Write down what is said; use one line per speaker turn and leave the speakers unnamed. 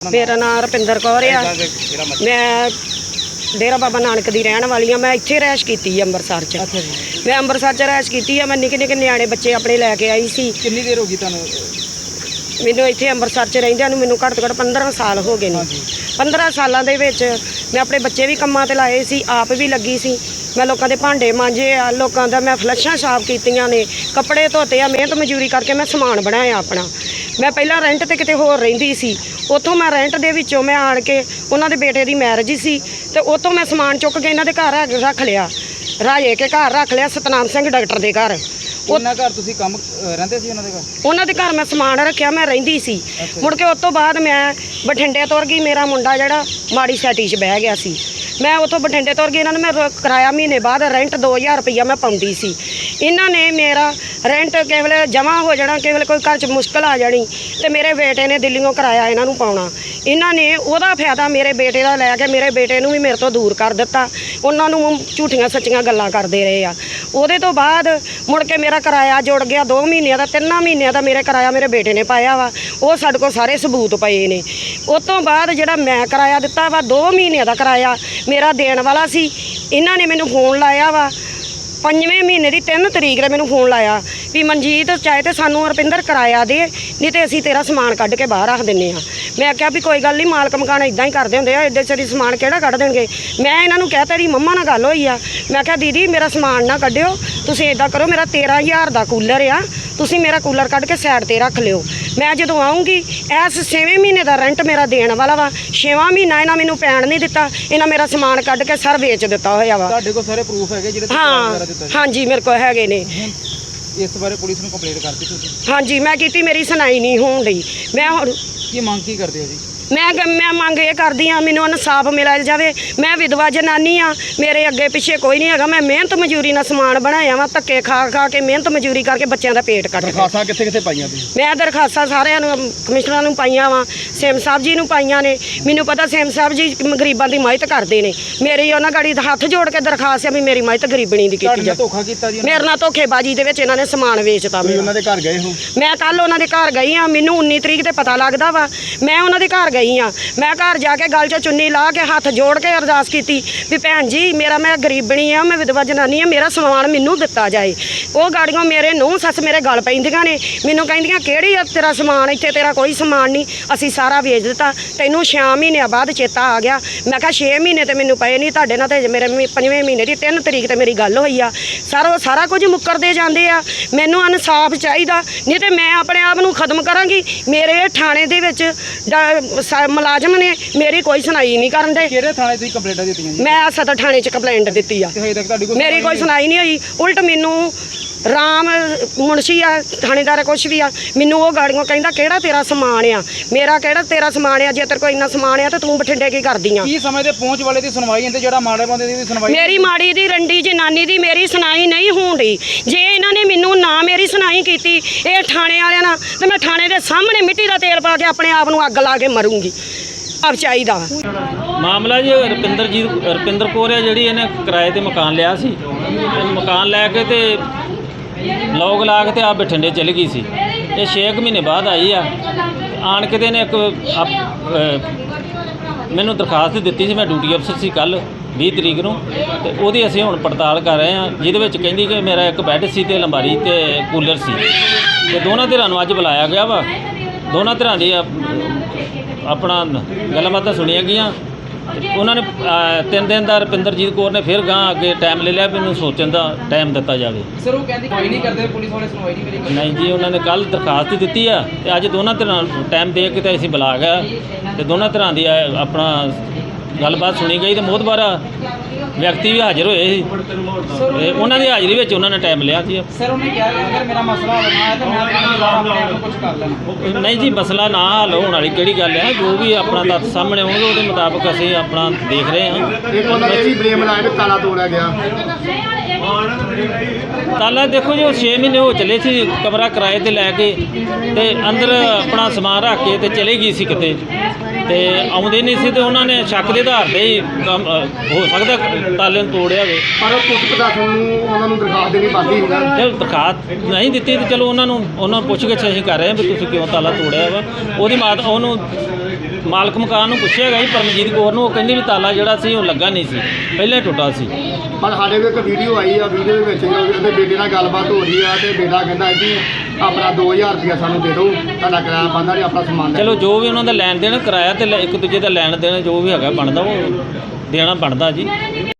मेरा नाम रपिंदर कौर आ। मैं डेरा बाबा नानक दी रहन वाली हाँ। मैं इत्थे रैश कीती है अंमृतसर च। मैं अंमृतसर च रैश कीती है। मैं निक्के निक्के न्याणे बच्चे अपने लैके आई सी।
कितनी देर होगी तुहानू?
मैनू इत्थे अंमृतसर च रहिंदियां नूं मैनू घੱਟ ਤੋਂ ਘੱਟ 15 साल हो गए ने। 15 सालों ਦੇ ਵਿੱਚ मैं अपने बच्चे भी ਕੰਮਾਂ ਤੇ ਲਾਏ ਸੀ, आप भी लगी सी। मैं लोगों के भांडे मांजे आ, लोगों का मैं फ्लैशां साफ कीतियां ने, कपड़े धोते आ, मेहनत मजूरी करके मैं समान बनाया अपना। मैं पहला रेंट ते किते होर रहिंदी सी, उत्थों मैं रेंट दे विचों मैं आण के उन्हां दे बेटे दी मैरिज सी ते उत्थों मैं समान चुक के इन्हां दे घर रख लिया, राजे के घर रख लिया, सतनाम सिंह डॉक्टर दे घर।
ਉਹਨਾਂ ਘਰ ਤੁਸੀਂ ਕੰਮ ਰਹਿੰਦੇ ਸੀ ਉਹਨਾਂ ਦੇ ਘਰ?
ਉਹਨਾਂ ਦੇ ਘਰ ਮੈਂ ਸਮਾਨ ਰੱਖਿਆ, ਮੈਂ ਰਹਿੰਦੀ ਸੀ। ਮੁੜ ਕੇ ਉਸ ਤੋਂ ਬਾਅਦ ਮੈਂ ਬਠਿੰਡੇ ਤੁਰ ਗਈ। ਮੇਰਾ ਮੁੰਡਾ ਜਿਹੜਾ ਮਾੜੀ ਸੈਟੀ 'ਚ ਬਹਿ ਗਿਆ ਸੀ, ਮੈਂ ਉੱਥੋਂ ਬਠਿੰਡੇ ਤੁਰ ਗਈ। ਇਹਨਾਂ ਨੇ ਮੈਂ ਕਿਰਾਇਆ ਮਹੀਨੇ ਬਾਅਦ ਰੈਂਟ 2000 ਰੁਪਈਆ ਮੈਂ ਪਾਉਂਦੀ ਸੀ। ਇਹਨਾਂ ਨੇ ਮੇਰਾ ਰੈਂਟ ਕਿਸੇ ਵੇਲੇ ਜਮ੍ਹਾਂ ਹੋ ਜਾਣਾ, ਕਿਸੇ ਵੇਲੇ ਕੋਈ ਘਰ 'ਚ ਮੁਸ਼ਕਲ ਆ ਜਾਣੀ ਤੇ ਮੇਰੇ ਬੇਟੇ ਨੇ ਦਿੱਲੀੋਂ ਕਿਰਾਇਆ ਇਹਨਾਂ ਨੂੰ ਪਾਉਣਾ। ਇਹਨਾਂ ਨੇ ਉਹਦਾ ਫਾਇਦਾ ਮੇਰੇ ਬੇਟੇ ਦਾ ਲੈ ਕੇ ਮੇਰੇ ਬੇਟੇ ਨੂੰ ਵੀ ਮੇਰੇ ਤੋਂ ਦੂਰ ਕਰ ਦਿੱਤਾ। ਉਹਨਾਂ ਨੂੰ ਝੂਠੀਆਂ ਸੱਚੀਆਂ ਗੱਲਾਂ ਕਰਦੇ ਰਹੇ ਆ। ਉਹਦੇ ਤੋਂ ਬਾਅਦ ਮੁੜ ਕੇ ਮੇਰਾ ਕਿਰਾਇਆ ਜੁੜ ਗਿਆ 2 ਮਹੀਨਿਆਂ ਦਾ, 3 ਮਹੀਨਿਆਂ ਦਾ ਮੇਰੇ ਕਿਰਾਇਆ ਮੇਰੇ ਬੇਟੇ ਨੇ ਪਾਇਆ ਵਾ। ਉਹ ਸਾਡੇ ਕੋਲ ਸਾਰੇ ਸਬੂਤ ਪਏ ਨੇ। ਉਸ ਤੋਂ ਬਾਅਦ ਜਿਹੜਾ ਮੈਂ ਕਿਰਾਇਆ ਦਿੱਤਾ ਵਾ 2 ਮਹੀਨਿਆਂ ਦਾ ਕਿਰਾਇਆ ਮੇਰਾ ਦੇਣ ਵਾਲਾ ਸੀ। ਇਹਨਾਂ ਨੇ ਮੈਨੂੰ ਫੋਨ ਲਾਇਆ ਵਾ 5ਵੇਂ ਮਹੀਨੇ ਦੀ 3 ਤਰੀਕ ਦੇ ਮੈਨੂੰ ਫੋਨ ਲਾਇਆ ਵੀ ਮਨਜੀਤ ਚਾਹੇ ਤੇ ਸਾਨੂੰ ਰੁਪਿੰਦਰ ਕਿਰਾਇਆ ਦੇ, ਨਹੀਂ ਤੇ ਅਸੀਂ ਤੇਰਾ ਸਮਾਨ ਕੱਢ ਕੇ ਬਾਹਰ ਰੱਖ ਦਿੰਦੇ ਹਾਂ। ਮੈਂ ਆਖਿਆ ਵੀ ਕੋਈ ਗੱਲ ਨਹੀਂ, ਮਾਲਕ ਮਕਾਨ ਇਦਾਂ ਹੀ ਕਰਦੇ ਹੁੰਦੇ ਆ, ਇੱਡੇ ਸਾਰੀ ਸਮਾਨ ਕਿਹੜਾ ਕੱਢ ਦੇਣਗੇ। ਮੈਂ ਇਹਨਾਂ ਨੂੰ ਕਹਿ ਤੇਰੀ ਮੰਮਾ ਨਾਲ ਗੱਲ ਹੋਈ ਆ, ਮੈਂ ਕਿਹਾ ਦੀਦੀ ਮੇਰਾ ਸਮਾਨ ਨਾ ਕੱਢਿਓ, ਤੁਸੀਂ ਇਦਾਂ ਕਰੋ ਮੇਰਾ 13000 ਦਾ ਕੂਲਰ ਆ, ਤੁਸੀਂ ਮੇਰਾ ਕੂਲਰ ਕੱਢ ਕੇ ਸਾਈਡ ਤੇ ਰੱਖ ਲਿਓ। ਮੈਂ ਜਦੋਂ ਆਉਂਗੀ ਇਸ 6ਵੇਂ ਮਹੀਨੇ ਦਾ ਰੈਂਟ ਮੇਰਾ ਦੇਣ ਵਾਲਾ ਵਾ, 6ਵਾਂ ਮਹੀਨਾ ਇਹਨਾਂ ਮੈਨੂੰ ਪੈਣ ਨਹੀਂ ਦਿੱਤਾ। ਇਹਨਾਂ ਮੇਰਾ ਸਮਾਨ ਕੱਢ ਕੇ ਸਰ ਵੇਚ ਦਿੱਤਾ ਹੋਇਆ ਵਾ।
ਤੁਹਾਡੇ ਕੋਲ ਸਾਰੇ ਪ੍ਰੂਫ ਹੈਗੇ ਜਿਹੜੇ
ਹਾਂਜੀ ਮੇਰੇ ਕੋਲ ਹੈਗੇ ਨੇ।
ਇਸ ਬਾਰੇ ਪੁਲਿਸ ਨੂੰ ਕੰਪਲੇਂਟ ਕਰਤੀ ਤੁਸੀਂ?
ਹਾਂਜੀ ਮੈਂ ਕੀਤੀ, ਮੇਰੀ ਸੁਣਾਈ ਨਹੀਂ ਹੋਣ ਡਈ। ਮੈਂ ਹੁਣ
ਕੀ ਮੰਗ ਕੀ ਕਰਦੇ ਹੋ ਜੀ?
ਮੈਂ ਮੰਗ ਇਹ ਕਰਦੀ ਹਾਂ ਮੈਨੂੰ ਇਨਸਾਫ ਮਿਲਿਆ ਜਾਵੇ। ਮੈਂ ਵਿਧਵਾ ਜਨਾਨੀ ਆ, ਮੇਰੇ ਅੱਗੇ ਪਿੱਛੇ ਕੋਈ ਨਹੀਂ ਹੈਗਾ। ਮੈਂ ਮਿਹਨਤ ਮਜ਼ਦੂਰੀ ਨਾਲ ਸਮਾਨ ਬਣਾਇਆ ਵਾ, ਧੱਕੇ ਖਾ ਕੇ ਮਿਹਨਤ ਮਜ਼ਦੂਰੀ ਕਰਕੇ ਬੱਚਿਆਂ ਦਾ ਪੇਟ ਕੱਟ।
ਦਰਖਾਸਤਾਂ ਕਿੱਥੇ ਪਾਈਆਂ ਤੁਸੀਂ?
ਮੈਂ ਦਰਖਾਸਤਾਂ ਸਾਰਿਆਂ ਨੂੰ ਕਮਿਸ਼ਨਰਾਂ ਨੂੰ ਪਾਈਆਂ ਵਾ, ਸੇਮ ਸਾਹਿਬ ਜੀ ਨੂੰ ਪਾਈਆਂ ਨੇ। ਮੈਨੂੰ ਪਤਾ ਸੇਮ ਸਾਹਿਬ ਜੀ ਗਰੀਬਾਂ ਦੀ ਮਦਦ ਕਰਦੇ ਨੇ। ਮੇਰੀ ਉਹਨਾਂ ਗਾੜੀ ਹੱਥ ਜੋੜ ਕੇ ਦਰਖਾਸਤ ਹੈ ਵੀ ਮੇਰੀ ਮਦਦ ਗਰੀਬਣੀ ਦੀ ਕੀਤੀ ਜਾਵੇ।
ਧੋਖਾ ਕੀਤਾ ਜੀ
ਮੇਰੇ ਨਾਲ ਧੋਖੇਬਾਜ਼ੀ ਦੇ ਵਿੱਚ ਇਹਨਾਂ ਨੇ ਸਮਾਨ ਵੇਚਤਾ।
ਉਹਨਾਂ ਦੇ ਘਰ ਗਏ ਹੋ?
ਮੈਂ ਕੱਲ ਉਹਨਾਂ ਦੇ ਘਰ ਗਈ ਆ, ਮੈਨੂੰ 19 ਤਰੀਕ ਤੇ ਪਤਾ ਲੱਗਦਾ ਵਾ। ਮੈਂ ਉਹਨਾਂ ਦੇ ਘਰ ਗਈ ਆ, ਮੈਂ ਘਰ ਜਾ ਕੇ ਗਲ 'ਚ ਚੁੰਨੀ ਲਾ ਕੇ ਹੱਥ ਜੋੜ ਕੇ ਅਰਦਾਸ ਕੀਤੀ ਵੀ ਭੈਣ ਜੀ ਮੈਂ ਗਰੀਬਣੀ ਆ, ਮੈਂ ਵਿਧਵਾ ਜਨਾਨੀ ਆ, ਮੇਰਾ ਸਮਾਨ ਮੈਨੂੰ ਦਿੱਤਾ ਜਾਏ। ਉਹ ਗਾੜੀਆਂ ਮੇਰੇ ਨੂੰਹ ਸੱਸ ਮੇਰੇ ਗਲ ਪੈਂਦੀਆਂ ਨੇ, ਮੈਨੂੰ ਕਹਿੰਦੀਆਂ ਕਿਹੜੀ ਆ ਤੇਰਾ ਸਮਾਨ, ਇੱਥੇ ਤੇਰਾ ਕੋਈ ਸਮਾਨ ਨਹੀਂ, ਅਸੀਂ ਸਾਰਾ ਵੇਚ ਦਿੱਤਾ, ਤੈਨੂੰ 6 ਮਹੀਨਿਆਂ ਬਾਅਦ ਚੇਤਾ ਆ ਗਿਆ। ਮੈਂ ਕਿਹਾ 6 ਮਹੀਨੇ ਤੇ ਮੈਨੂੰ ਪਏ ਨਹੀਂ, ਤੁਹਾਡੇ ਨਾਲ ਤੇ ਮੇਰੇ 5ਵੇਂ ਮਹੀਨੇ ਦੀ 3 ਤਰੀਕ ਤੇ ਮੇਰੀ ਗੱਲ ਹੋਈ ਆ। ਸਾਰਾ ਕੁਝ ਮੁੱਕਰਦੇ ਜਾਂਦੇ ਆ। ਮੈਨੂੰ ਇਨਸਾਫ ਚਾਹੀਦਾ, ਨਹੀਂ ਤੇ ਮੈਂ ਆਪਣੇ ਆਪ ਨੂੰ ਖਤਮ ਕਰਾਂਗੀ। ਮੇਰੇ ਥਾਣੇ ਦੇ ਵਿੱਚ ਮੁਲਾਜ਼ਮ ਨੇ ਮੇਰੀ ਕੋਈ ਸੁਣਾਈ ਨਹੀਂ ਕਰਨ ਦੇ।
ਕਿਹੜੇ ਥਾਣੇ ਤੁਸੀਂ ਕੰਪਲੇਂਟਾਂ ਦਿੱਤੀਆਂ ਜੀ? ਮੈਂ
ਸਦਰ ਥਾਣੇ 'ਚ ਕੰਪਲੇਂਟ ਦਿੱਤੀ ਆ, ਮੇਰੀ ਕੋਈ ਸੁਣਾਈ ਨਹੀਂ ਹੋਈ। ਉਲਟ ਮੈਨੂੰ ਰਾਮ ਮੁਨਸ਼ੀ ਆ ਥਾਣੇਦਾਰ ਕੁਛ ਵੀ ਆ, ਮੈਨੂੰ ਉਹ ਗਾੜੀਆਂ ਕਹਿੰਦਾ ਕਿਹੜਾ ਤੇਰਾ ਸਮਾਨ ਆ, ਮੇਰਾ ਕਿਹੜਾ ਤੇਰਾ ਸਮਾਨ ਆ, ਜੇ ਤੇਰੇ ਕੋਲ ਇੰਨਾ ਸਮਾਨ ਆ ਤਾਂ ਤੂੰ ਬਠਿੰਡੇ ਕੀ ਕਰਦੀ ਆ?
ਕੀ ਸਮੇਂ ਦੇ ਪਹੁੰਚ ਵਾਲੇ ਦੀ ਸੁਣਵਾਈ ਹੁੰਦੀ, ਜਿਹੜਾ ਮਾੜੇ ਬੰਦੇ ਦੀ ਸੁਣਵਾਈ?
ਮੇਰੀ ਮਾੜੀ ਦੀ ਰੰਡੀ ਜਨਾਨੀ ਦੀ ਮੇਰੀ ਸੁਣਾਈ ਨਹੀਂ ਹੋਣ ਡਈ। ਜੇ ਇਹਨਾਂ ਨੇ ਮੈਨੂੰ ਨਾ ਮੇਰੀ ਸੁਣਾਈ ਕੀਤੀ ਇਹ ਥਾਣੇ ਵਾਲਿਆਂ ਨਾਲ, ਤੇ ਮੈਂ ਥਾਣੇ ਦੇ ਸਾਹਮਣੇ ਮਿੱਟੀ ਦਾ ਤੇਲ ਪਾ ਕੇ ਆਪਣੇ ਆਪ ਨੂੰ ਅੱਗ ਲਾ ਕੇ ਮਰੂੰਗੀ। ਆਪ ਚਾਹੀਦਾ
ਮਾਮਲਾ ਜੀ ਰੁਪਿੰਦਰ ਕੌਰ ਹੈ ਜਿਹੜੀ ਇਹਨੇ ਕਿਰਾਏ ਤੇ ਮਕਾਨ ਲਿਆ ਸੀ। ਮਕਾਨ ਲੈ ਕੇ ਤੇ ਲੋਕ ਲਾ ਕੇ ਤੇ ਆ ਬਠਿੰਡੇ ਚਲੀ ਗਈ ਸੀ। ਇਹ 6 ਮਹੀਨੇ ਬਾਅਦ ਆਈ ਆ। ਆਣ ਕੇ ਤੇ ਇਹਨੇ ਮੈਨੂੰ ਦਰਖਾਸਤ ਦਿੱਤੀ ਸੀ। ਮੈਂ ਡਿਊਟੀ ਅਫਸਰ ਸੀ ਕੱਲ 20 ਤਰੀਕ ਨੂੰ, ਤੇ ਉਹਦੀ ਅਸੀਂ ਹੁਣ ਪੜਤਾਲ ਕਰ ਰਹੇ ਹਾਂ, ਜਿਹਦੇ ਵਿੱਚ ਕਹਿੰਦੀ ਕਿ ਮੇਰਾ ਇੱਕ ਬੈੱਡ ਸੀ ਤੇ ਅਲਮਾਰੀ ਤੇ ਕੂਲਰ ਸੀ। ਤੇ ਦੋਨਾਂ ਧਿਰਾਂ ਨੂੰ ਅੱਜ ਬੁਲਾਇਆ ਗਿਆ ਵਾ। ਦੋਨਾਂ ਧਿਰਾਂ ਦੀ ਆਪਣਾ ਗੱਲਬਾਤਾਂ ਸੁਣੀਆਂ ਗਈਆਂ। ਉਹਨਾਂ ਨੇ 3 ਦਿਨ ਦਾ ਰੁਪਿੰਦਰਜੀਤ ਕੌਰ ਨੇ ਫਿਰ ਗਾਂ ਅੱਗੇ ਟਾਈਮ ਲੈ ਲਿਆ ਵੀ ਮੈਨੂੰ ਸੋਚਣ ਦਾ ਟਾਈਮ ਦਿੱਤਾ ਜਾਵੇ।
ਸਰ ਉਹ ਕਹਿੰਦੀ ਕੋਈ ਨਹੀਂ ਕਰਦੇ, ਪੁਲਿਸ ਵਾਲੇ ਸੁਣਵਾਈ ਨਹੀਂ ਕਰੀ?
ਨਹੀਂ ਜੀ, ਉਹਨਾਂ ਨੇ ਕੱਲ ਦਰਖਾਸਤ ਦਿੱਤੀ ਆ ਤੇ ਅੱਜ ਦੋਨਾਂ ਧਿਰਾਂ ਟਾਈਮ ਦੇ ਕੇ ਤੇ ਅਸੀਂ ਬੁਲਾ ਗਿਆ ਤੇ ਦੋਨਾਂ ਧਿਰਾਂ ਦੀ ਆਪਣਾ ਗੱਲਬਾਤ ਸੁਣੀ ਗਈ ਤੇ ਮੋਹਤਬਾਰ ਵਿਅਕਤੀ ਵੀ ਹਾਜ਼ਰ ਹੋਏ ਸੀ ਤੇ ਉਹਨਾਂ ਦੀ ਹਾਜ਼ਰੀ ਵਿੱਚ ਉਹਨਾਂ ਨੇ ਟਾਈਮ ਲਿਆ ਸੀ।
ਸਰ ਉਹਨੇ ਕਿਹਾ ਅਗਰ ਮੇਰਾ ਮਸਲਾ ਹੱਲ ਨਾ ਹੈ ਤਾਂ ਮੈਂ ਕੁਝ ਕਰ ਲੈਣਾ।
ਨਹੀਂ ਜੀ, ਮਸਲਾ ਨਾ ਹੱਲ ਹੋਣ ਵਾਲੀ ਕਿਹੜੀ ਗੱਲ ਹੈ, ਜੋ ਵੀ ਆਪਣਾ ਤੱਥ ਸਾਹਮਣੇ ਆਉਣਗੇ ਉਹਦੇ ਮੁਤਾਬਕ ਅਸੀਂ ਆਪਣਾ ਦੇਖ ਰਹੇ ਹਾਂ।
ਇੱਕ ਉਹਨਾਂ ਨੇ ਵੀ ਬਲੇਮ ਲਾਇਆ ਕਿ ਤਾਲਾ ਤੋੜਿਆ ਗਿਆ।
ਤਾਲਾ ਦੇਖੋ ਜੀ, ਉਹ 6 ਮਹੀਨੇ ਹੋ ਚੱਲੇ ਸੀ ਕਮਰਾ ਕਿਰਾਏ ਤੇ ਲੈ ਕੇ ਤੇ ਅੰਦਰ ਆਪਣਾ ਸਮਾਨ ਰੱਖ ਕੇ ਤੇ ਚਲੇ ਗਈ ਸੀ ਕਿਤੇ, ਤੇ ਆਉਂਦੇ ਨਹੀਂ ਸੀ ਤੇ ਉਹਨਾਂ ਨੇ ਸ਼ੱਕ ਦੇ ਆਧਾਰ ਤੇ ਹੀ ਹੋ ਸਕਦਾ ਤਾਲੇ ਨੂੰ ਤੋੜਿਆ ਹੋਵੇ।
ਪਰ ਪੁਲਿਸ ਪ੍ਰਸ਼ਾਸਨ ਨੂੰ ਉਹਨਾਂ ਨੂੰ ਦਰਖਾਸਤ ਦੇਣੀ ਬਣਦੀ ਹੈ।
ਜੇ ਦਰਖਾਸਤ ਨਹੀਂ ਦਿੱਤੀ ਤੇ ਚਲੋ ਉਹਨਾਂ ਨੂੰ ਪੁੱਛ ਕੇ ਅਸੀਂ ਕਰ ਰਹੇ ਹਾਂ ਵੀ ਤੁਸੀਂ ਕਿਉਂ ਤਾਲਾ ਤੋੜਿਆ ਵਾ। ਉਹਦੀ ਮਾਤਾ ਉਹਨੂੰ ਮਾਲਕ ਮਕਾਨ ਨੂੰ ਪੁੱਛਿਆ ਗਿਆ ਜੀ ਪਰਮਜੀਤ ਕੌਰ ਨੂੰ, ਉਹ ਕਹਿੰਦੀ ਵੀ ਤਾਲਾ ਜਿਹੜਾ ਸੀ ਉਹ ਲੱਗਾ ਨਹੀਂ ਸੀ, ਪਹਿਲਾਂ ਹੀ ਟੁੱਟਾ ਸੀ।
ਪਰ ਸਾਡੇ ਕੋਲ ਇੱਕ ਵੀਡੀਓ ਆਈ ਆ, ਵੀਡੀਓ ਦੇ ਵਿੱਚ ਉਹਦੇ ਬੇਟੇ ਨਾਲ ਗੱਲਬਾਤ ਹੋ ਰਹੀ ਆ ਤੇ ਬੇਟਾ ਕਹਿੰਦਾ ਕਿ ਆਪਣਾ 2000 ਰੁਪਇਆ ਸਾਨੂੰ ਦੇ ਦਿਓ, ਤੁਹਾਡਾ ਕਿਰਾਇਆ ਬੰਦਾ ਨਹੀਂ, ਆਪਣਾ ਸਮਾਨ ਲੈ
ਚਲੋ ਜੋ ਵੀ ਉਹਨਾਂ ਦਾ ਲੈਣ ਦੇਣ ਕਿਰਾਇਆ ਤੇ ਇੱਕ ਦੂਜੇ ਦਾ ਲੈਣ ਦੇਣ ਜੋ ਵੀ ਹੈਗਾ ਬਣਦਾ ਉਹ ਦੇਣਾ ਬਣਦਾ ਜੀ।